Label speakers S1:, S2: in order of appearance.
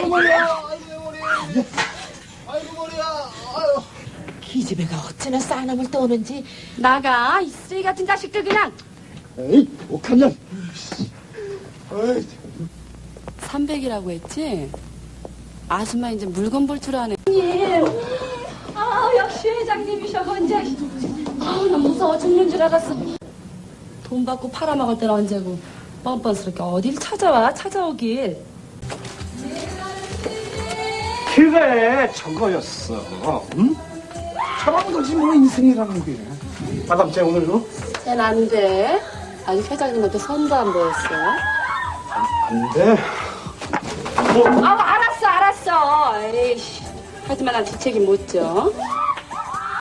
S1: 아이고 머리야.
S2: 아이고 머리야. 아유.
S1: 기집애가 어찌나 싸움을 떠오는지.
S3: 나가 이 쓰레기 같은 자식들 그냥.
S2: 에이, 옥한년.
S3: 300이라고 했지? 아줌마 이제 물건 볼 줄 아네. 역시 회장님이셔 언제. 나 무서워 죽는 줄 알았어. 돈 받고 팔아먹을 때는 언제고 뻔뻔스럽게 어딜 찾아오길.
S2: 그래, 저거였어. 응? 저런 거지 뭐 인생이라는 게. 마담 쟤 오늘도?
S3: 쟤는 안 돼. 아직 회장님한테 선도 안 보였어.
S2: 안 돼.
S3: 알았어. 에이씨. 하지만 난 뒷책임 못 져.